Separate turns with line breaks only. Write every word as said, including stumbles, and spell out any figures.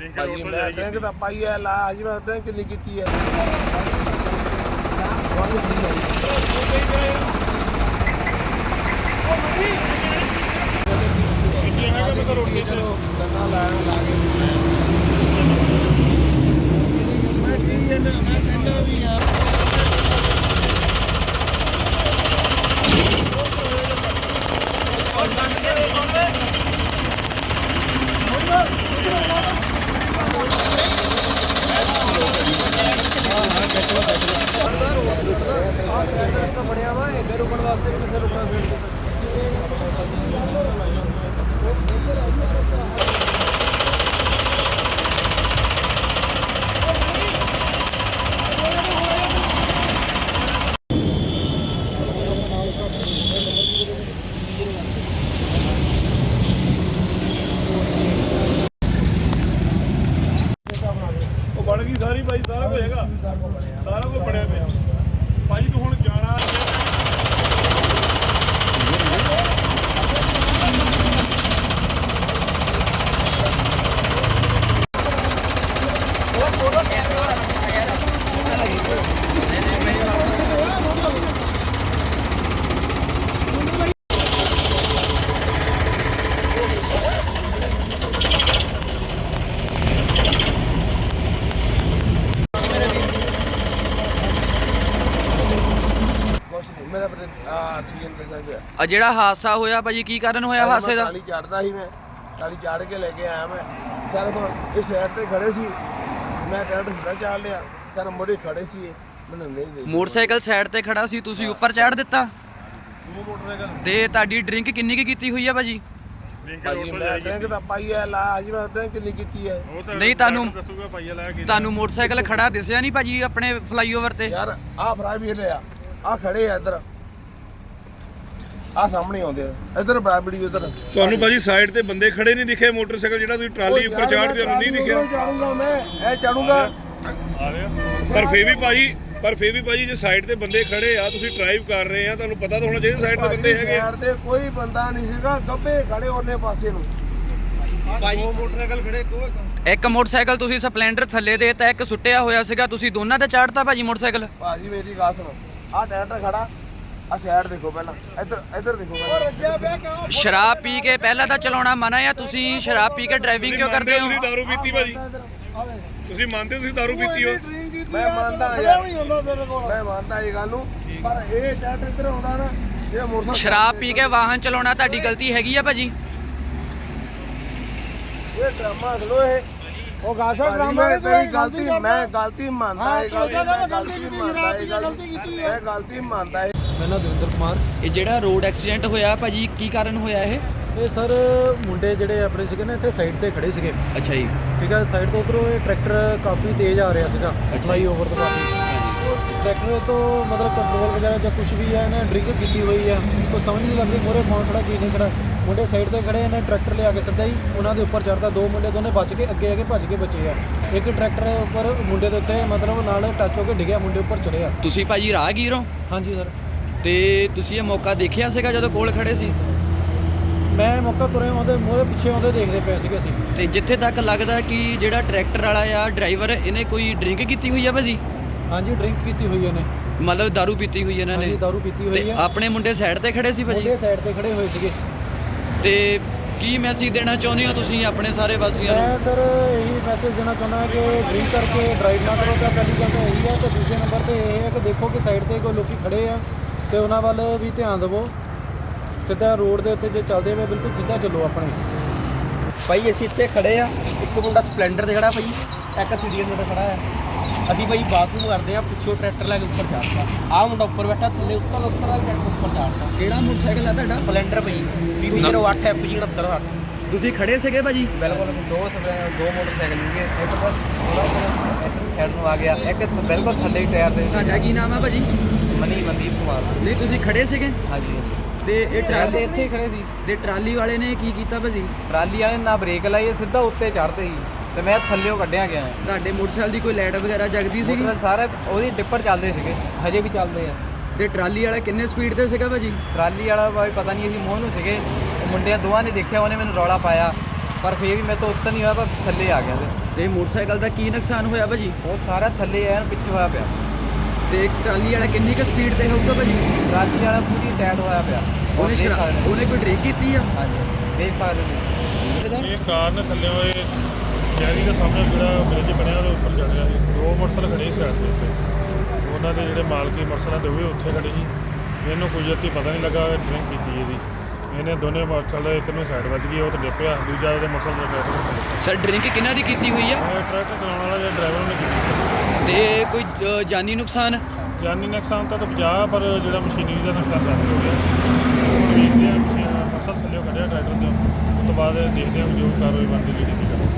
ਭਾਜੀ ਮੈਂ ਡਰਿੰਕ ਤਾਂ ਪਾਈ ਹੈ ਲਾ ਜੀ ਮੈਂ ਡਰਿੰਕ ਨਹੀਂ ਕੀਤੀ ਹੈ बढ़िया वा इधर रुकने वास्ते भी किसे रुकना फिर बन गई सारी भाई सारा कुछ हैगा सारा कुछ बनया पे भाई तू हुण जाना
ਆ ਜਿਹੜਾ ਹਾਦਸਾ ਹੋਇਆ ਭਾਜੀ ਕੀ ਕਾਰਨ ਹੋਇਆ ਹਾਦਸੇ ਦਾ?
ਟਾਲੀ ਚੜਦਾ ਸੀ ਮੈਂ ਟਾਲੀ ਚੜ ਕੇ ਲੈ ਕੇ ਆਇਆ ਮੈਂ ਸਰ ਇਸ ਸਾਈਡ ਤੇ ਖੜੇ ਸੀ ਮੈਂ ਟਰੈਕਟਰ ਸਿੱਧਾ ਚਾੜ ਲਿਆ ਸਰ ਮੋੜੇ ਖੜੇ ਸੀ ਮੈਨੂੰ ਨਹੀਂ ਦੇ
ਮੋਟਰਸਾਈਕਲ ਸਾਈਡ ਤੇ ਖੜਾ ਸੀ ਤੁਸੀਂ ਉੱਪਰ ਚੜ੍ਹ ਦਿੱਤਾ
ਦੋ ਮੋਟਰਸਾਈਕਲ
ਤੇ ਤੁਹਾਡੀ ਡਰਿੰਕ ਕਿੰਨੀ ਕੀ ਕੀਤੀ ਹੋਈ ਆ ਭਾਜੀ?
ਭਾਜੀ ਮੈਂ ਡਰਿੰਕ ਤਾਂ ਪਾਈ ਹੈ ਲਾ ਜੀ ਮੈਂ ਡਰਿੰਕ ਨਹੀਂ ਕੀਤੀ ਹੈ
ਨਹੀਂ ਤੁਹਾਨੂੰ ਤੁਹਾਨੂੰ ਮੋਟਰਸਾਈਕਲ ਖੜਾ ਦਿਸਿਆ ਨਹੀਂ ਭਾਜੀ ਆਪਣੇ ਫਲਾਈਓਵਰ ਤੇ?
ਯਾਰ ਆਹ ਫਰਾਈ ਵੀ ਲਿਆ ਆ ਖੜੇ ਆ ਇੱਧਰ ਆ ਸਾਹਮਣੇ ਆਉਂਦੇ ਆ ਇੱਧਰ ਬਰਾਬੜੀ ਉਧਰ
ਤੁਹਾਨੂੰ ਭਾਜੀ ਸਾਈਡ ਤੇ ਬੰਦੇ ਖੜੇ ਨਹੀਂ ਦਿਖੇ ਮੋਟਰਸਾਈਕਲ ਜਿਹੜਾ ਤੁਸੀਂ ਟਰਾਲੀ ਉੱਪਰ ਚਾੜਦੇ ਉਹਨੂੰ ਨਹੀਂ ਦਿਖਿਆ?
ਚਾੜੂਗਾ ਮੈਂ ਇਹ ਚਾੜੂਗਾ
ਪਰ ਫੇਰ ਵੀ ਭਾਜੀ ਪਰ ਫੇਰ ਵੀ ਭਾਜੀ ਜੇ ਸਾਈਡ ਤੇ ਬੰਦੇ ਖੜੇ ਆ ਤੁਸੀਂ ਡਰਾਈਵ ਕਰ ਰਹੇ ਆ ਤੁਹਾਨੂੰ ਪਤਾ ਤਾਂ ਹੋਣਾ ਚਾਹੀਦਾ ਸਾਈਡ ਤੇ ਬੰਦੇ ਹੈਗੇ
ਸਾਈਡ ਤੇ ਕੋਈ ਬੰਦਾ ਨਹੀਂ ਸੀਗਾ ਗੱਬੇ ਖੜੇ ਉਹਨੇ ਪਾਸੇ ਨੂੰ ਦੋ ਮੋਟਰਸਾਈਕਲ ਖੜੇ ਕੋਈ
ਇੱਕ ਮੋਟਰਸਾਈਕਲ ਤੁਸੀਂ ਸਪਲੈਂਡਰ ਥੱਲੇ ਦੇ ਤਾਂ ਇੱਕ ਸੁੱਟਿਆ ਹੋਇਆ ਸੀਗਾ ਤੁਸੀਂ ਦੋਨਾਂ ਤੇ ਚੜ੍ਹਤਾ ਭਾਜੀ ਮੋਟਰਸਾਈਕਲ?
ਭਾਜੀ ਮੇਰੀ ਗੱਲ ਸੁਣੋ ਆਹ ਟਰੈਕਟਰ ਖੜਾ ਆ ਸਾਈਡ ਦੇਖੋ ਪਹਿਲਾਂ ਇੱਧਰ ਇੱਧਰ ਦੇਖੋ ਪਹਿਲਾਂ
ਸ਼ਰਾਬ ਪੀ ਕੇ ਪਹਿਲਾਂ ਤਾਂ ਚਲਾਉਣਾ ਮਨਾ ਆ ਤੁਸੀਂ ਸ਼ਰਾਬ ਪੀ ਕੇ ਡਰਾਈਵਿੰਗ ਕਿਉਂ ਕਰਦੇ ਹੋ?
ਤੁਸੀਂ ਦਾਰੂ ਪੀਤੀ ਭਾਜੀ ਤੁਸੀਂ ਮੰਨਦੇ ਹੋ ਤੁਸੀਂ ਦਾਰੂ ਪੀਤੀ ਹੋ?
ਮੈਂ ਮੰਨਦਾ ਯਾਰ ਮੈਂ ਮੰਨਦਾ ਇਹ ਗੱਲ ਨੂੰ ਪਰ ਇਹ ਟਰੈਕਟਰ ਇੱਧਰ ਆਉਂਦਾ ਨਾ ਇਹ ਮੋਟਰਸਾਈਕਲ
ਸ਼ਰਾਬ ਪੀ ਕੇ ਵਾਹਨ ਚਲਾਉਣਾ ਤੁਹਾਡੀ ਗਲਤੀ ਹੈਗੀ ਆ ਭਾਜੀ?
ਇਹ ਡਰਾਮਾ ਖਲੋ ਇਹ ਉਹ ਗਾਸਾ ਡਰਾਮਾ ਹੈ ਤੇਰੀ ਗਲਤੀ ਮੈਂ ਗਲਤੀ ਮੰਨਦਾ ਇਹ ਗਲਤੀ ਮੰਨਦਾ ਇਹ ਗਲਤੀ ਕੀਤੀ ਹੈ ਇਹ ਗਲਤੀ ਮੰਨਦਾ
ਮੈਂ ਨਾ ਦਵਿੰਦਰ ਕੁਮਾਰ।
ਇਹ ਜਿਹੜਾ ਰੋਡ ਐਕਸੀਡੈਂਟ ਹੋਇਆ ਭਾਜੀ ਕੀ ਕਾਰਨ ਹੋਇਆ ਇਹ?
ਇਹ ਸਰ ਮੁੰਡੇ ਜਿਹੜੇ ਆਪਣੇ ਸੀਗੇ ਨਾ ਇੱਥੇ ਸਾਈਡ ਤੇ ਖੜੇ ਸੀਗੇ
ਅੱਛਾ ਜੀ
ਠੀਕ ਹੈ ਸਾਈਡ ਤੋਂ ਉਧਰੋਂ ਇਹ ਟਰੈਕਟਰ ਕਾਫੀ ਤੇਜ਼ ਆ ਰਿਹਾ ਸੀਗਾ ਫਲਾਈ ਓਵਰ ਤੋਂ ਕਾਫੀ ਟਰੈਕਟਰ ਤੋਂ ਮਤਲਬ ਕੰਟਰੋਲ ਵਗੈਰਾ ਜਾਂ ਕੁਝ ਵੀ ਹੈ ਇਹਨੇ ਡਰਿੰਕ ਕੀਤੀ ਹੋਈ ਆ ਕੋਈ ਸਮਝ ਨਹੀਂ ਲੱਗਦੀ ਮੋਰੇ ਫੋਨ ਖੜਾ ਕੀ ਨਹੀਂ ਖੜਾ ਮੁੰਡੇ ਸਾਈਡ ਤੇ ਖੜੇ ਇਹਨੇ ਟਰੈਕਟਰ ਲਿਆ ਕੇ ਸਿੱਧਾ ਹੀ ਉਹਨਾਂ ਦੇ ਉੱਪਰ ਚੜ੍ਹਦਾ ਦੋ ਮੁੰਡੇ ਦੋਨੇ ਬਚ ਕੇ ਅੱਗੇ ਆ ਕੇ ਭੱਜ ਕੇ ਬਚੇ ਆ ਇੱਕ ਟਰੈਕਟਰ ਉੱਪਰ ਮੁੰਡੇ ਦੇ ਉੱਤੇ ਮਤਲਬ ਨਾਲ ਟੱਚ ਹੋ ਕੇ ਡਿੱਗਿਆ ਮੁੰਡੇ ਉੱਪਰ ਚੜਿਆ।
ਤੁਸੀਂ ਭਾਜੀ ਰਾਹਗੀਰ ਹੋ?
ਹਾਂਜੀ ਸਰ।
ਤੇ ਤੁਸੀਂ ਇਹ ਮੌਕਾ ਦੇਖਿਆ ਸੀਗਾ ਜਦੋਂ ਕੋਲ ਖੜੇ ਸੀ?
ਮੈਂ ਮੌਕਾ ਤੁਰੇ ਆਉਂਦੇ ਮੋਰੇ ਪਿੱਛੇ ਆਉਂਦੇ ਦੇਖਦੇ ਪਏ ਸੀਗੇ ਅਸੀਂ।
ਤੇ ਜਿੱਥੇ ਤੱਕ ਲੱਗਦਾ ਕਿ ਜਿਹੜਾ ਟਰੈਕਟਰ ਵਾਲਾ ਆ ਡਰਾਈਵਰ ਇਹਨੇ ਕੋਈ ਡਰਿੰਕ ਕੀਤੀ ਹੋਈ ਆ ਭਾਜੀ?
ਹਾਂਜੀ ਡਰਿੰਕ ਕੀਤੀ ਹੋਈ ਇਹਨੇ
ਮਤਲਬ ਦਾਰੂ ਪੀਤੀ ਹੋਈ ਇਹਨਾਂ ਨੇ?
ਹਾਂਜੀ ਦਾਰੂ ਪੀਤੀ ਹੋਈ
ਤੇ
ਹੈ।
ਆਪਣੇ ਮੁੰਡੇ ਸਾਈਡ ਤੇ ਖੜੇ ਸੀ ਭਾਜੀ?
ਮੁੰਡੇ ਸਾਈਡ ਤੇ ਖੜੇ ਹੋਏ ਸੀਗੇ।
ਤੇ ਕੀ ਮੈਸੇਜ ਦੇਣਾ ਚਾਹੁੰਦੇ ਹੋ ਤੁਸੀਂ ਆਪਣੇ ਸਾਰੇ ਵਾਸੀਆਂ ਨੂੰ?
ਮੈਂ ਸਰ ਇਹੀ ਮੈਸੇਜ ਦੇਣਾ ਚਾਹੁੰਦਾ ਕਿ ਡਰਿੰਕ ਕਰਕੇ ਡਰਾਈਵ ਨਾ ਕਰੋ ਤਾਂ ਪਹਿਲੀ ਗੱਲ ਤਾਂ ਇਹੀ ਹੈ ਤੇ ਦੂਜੇ ਨੰਬਰ ਤੇ ਇਹ ਹੈ ਕਿ ਦੇਖੋ ਕਿ ਸਾਈਡ ਤੇ ਕੋਈ ਲੋਕੀ ਖੜੇ ਆ ਤੇ ਉਹਨਾਂ ਵੱਲ ਵੀ ਧਿਆਨ ਦਿਵੋ। ਸਿੱਧਾ ਰੋਡ ਦੇ ਉੱਤੇ ਜੇ ਚੱਲਦੇ ਹੋਏ ਬਿਲਕੁਲ ਸਿੱਧਾ ਚੱਲੋ ਆਪਣੇ।
ਭਾਈ ਅਸੀਂ ਇੱਥੇ ਖੜੇ ਆ ਇੱਕ ਮੁੰਡਾ ਸਪਲੈਂਡਰ ਤੇ ਖੜਾ ਭਾਈ ਇੱਕ ਸੀਡੀਐਨ ਤੇ ਖੜਾ ਆ ਅਸੀਂ ਭਾਈ ਬਾਥਰੂਮ ਕਰਦੇ ਆ ਪਿੱਛੋਂ ਟਰੈਕਟਰ ਲੈ ਕੇ ਉੱਪਰ ਚੜ੍ਹਦਾ ਆਹ ਮੁੰਡਾ ਉੱਪਰ ਬੈਠਾ ਥੱਲੇ ਉੱਪਰ ਉੱਪਰ ਆ ਟਰੈਕਟਰ ਉੱਪਰ ਚੜ੍ਹਦਾ।
ਕਿਹੜਾ ਮੋਟਰਸਾਈਕਲ ਆ ਤੁਹਾਡਾ?
ਸਪਲੈਂਡਰ ਭਾਈ ਬੀ ਬੀ ਜ਼ੀਰੋ ਅੱਠ ਐਫ ਜੀ ਉਣੱਤਰ ਅੱਠ।
ਤੁਸੀਂ ਖੜੇ ਸੀਗੇ ਭਾਜੀ?
ਬਿਲਕੁਲ ਦੋ ਦੋ ਮੋਟਰਸਾਈਕਲ ਸੀਗੇ ਇੱਕ ਤਾਂ ਸਾਈਡ ਨੂੰ ਆ ਗਿਆ ਇੱਕ ਬਿਲਕੁਲ ਥੱਲੇ ਹੀ ਟਾਇਰ ਦੇ।
ਤੁਹਾਡਾ ਕੀ ਨਾਮ ਆ ਭਾਜੀ?
ਮਨੀ ਮਨਦੀਪ ਕੁਮਾਰ।
ਨਹੀਂ ਤੁਸੀਂ ਖੜੇ ਸੀਗੇ?
ਹਾਂਜੀ
ਤੇ ਇਹ ਟਰਾਲੀ
ਇੱਥੇ ਹੀ ਖੜੇ ਸੀ
ਤੇ ਟਰਾਲੀ ਵਾਲੇ ਨੇ ਕੀ ਕੀਤਾ ਭਾਜੀ?
ਟਰਾਲੀ ਵਾਲੇ ਨਾ ਬ੍ਰੇਕ ਲਾਈ ਸਿੱਧਾ ਉੱਤੇ ਚੜ੍ਹਦੇ ਸੀ ਤੇ ਮੈਂ ਥੱਲੇੋਂ ਕੱਢਿਆ ਗਿਆ।
ਤੁਹਾਡੇ ਮੋਟਰਸਾਈਕਲ ਦੀ ਕੋਈ ਲਾਈਟ ਵਗੈਰਾ ਜਗਦੀ ਸੀਗੀ?
ਸਾਰੇ ਉਹਦੀ ਡਿੱਪਰ ਚੱਲਦੇ ਸੀਗੇ ਹਜੇ ਵੀ ਚੱਲਦੇ ਆ।
ਤੇ ਟਰਾਲੀ ਵਾਲਾ ਕਿੰਨੇ ਸਪੀਡ ਤੇ ਸੀਗਾ ਭਾਜੀ?
ਟਰਾਲੀ ਵਾਲਾ ਭਾਈ ਪਤਾ ਨਹੀਂ ਅਸੀਂ ਮੋਹ ਨੂੰ ਸੀਗੇ ਮੁੰਡਿਆਂ ਦੋਵਾਂ ਨੇ ਦੇਖਿਆ ਉਹਨੇ ਮੈਨੂੰ ਰੌਲਾ ਪਾਇਆ ਪਰ ਫੇਰ ਵੀ ਮੈਂ ਤਾਂ ਉੱਤਰ ਨਹੀਂ ਹੋਇਆ ਪਰ ਥੱਲੇ ਆ ਗਿਆ
ਤੇ ਮੋਟਰਸਾਈਕਲ ਦਾ ਕੀ ਨੁਕਸਾਨ ਹੋਇਆ ਭਾਜੀ?
ਉਹ ਸਾਰਾ ਥੱਲੇ ਐਨ ਪਿੱਛੇ ਹੋਇਆ ਪਿਆ।
ਤੇ ਟਰਾਲੀ ਵਾਲਾ ਕਿੰਨੀ ਕੁ ਸਪੀਡ ਤੇ ਹੋਊਗਾ ਭਾਜੀ?
ਟਰਾਲੀ ਵਾਲਾ ਪੂਰੀ ਟਾਇਟ ਹੋਇਆ ਪਿਆ।
ਉਹਨੇ
ਦੇਖ
ਸ਼ਰਾ-
ਸਕਦੇ ਹੋ।
ਉਹਨੇ ਕੋਈ ਡਰਿੰਕ ਕੀਤੀ ਆ?
ਹਾਂਜੀ ਦੇਖ ਸਕਦੇ ਹੋ।
ਇਹ ਕਾਰ ਨੇ ਥੱਲੇ ਹੋਏ ਸ਼ਹਿਰੀ ਦੇ ਸਾਹਮਣੇ ਜਿਹੜਾ ਬ੍ਰਿਜ ਬਣਿਆ ਉਹਦੇ ਉੱਪਰ ਚੜ ਗਿਆ ਸੀ। ਦੋ ਮੋਟਰਸਾਈਕਲ ਖੜੇ ਸੀ ਸਾਈਡ ਦੇ ਉੱਤੇ। ਉਹਨਾਂ ਦੇ ਜਿਹੜੇ ਮਾਲਕੀ ਮੋਟਰਸਾਈਕਲਾਂ ਦੇ ਉਹ ਵੀ ਉੱਥੇ ਖੜੇ ਸੀ। ਇਹਨੂੰ ਕੁਦਰਤੀ ਪਤਾ ਨਹੀਂ ਲੱਗਾ ਡਰਿੰਕ ਕੀਤੀ ਇਹਦੀ। ਇਹਨੇ ਦੋਨੇ ਮੋਟਰਸਾਈਕਲ ਇੱਕ ਨੂੰ ਸਾਈਡ ਵੱਜ ਗਈ, ਉਹ ਤਾਂ ਡਿੱਪਿਆ, ਦੂਜਾ ਉਹਦੇ ਮੋਟਰਸਾਈਕਲ ਦਾ ਡਰਾਈਵਰ
ਸਰ ਡਰਿੰਕ ਕਿਹਨਾਂ ਦੀ ਕੀਤੀ ਹੋਈ ਆ?
ਟਰੱਕ ਚਲਾਉਣ ਵਾਲਾ ਜਿਹੜਾ ਡਰਾਈਵਰ ਨੇ ਕੀਤੀ।
ਤੇ ਕੋਈ ਅ, ਜਾਨੀ ਨੁਕਸਾਨ?
ਜਾਨੀ ਨੁਕਸਾਨ ਤਾਂ ਬਚਾ, ਪਰ ਜਿਹੜਾ ਮਸ਼ੀਨਰੀ ਦਾ ਨੁਕਸਾਨ ਕਾਫੀ ਹੋ ਗਿਆ। ਹੁਣ ਵੇਖਦੇ ਆ ਮੋਟਰਸਾਈਕਲ ਥੱਲੇ ਕੱਢਿਆ ਟਰੈਕਟਰ ਤੋਂ, ਉਸ ਤੋਂ ਬਾਅਦ ਦੇਖਦੇ ਆ ਜੋ ਕਾਰਵਾਈ ਬਣਦੀ ਜਿਹੜੀ ਕੀ ਕਰਨੀ।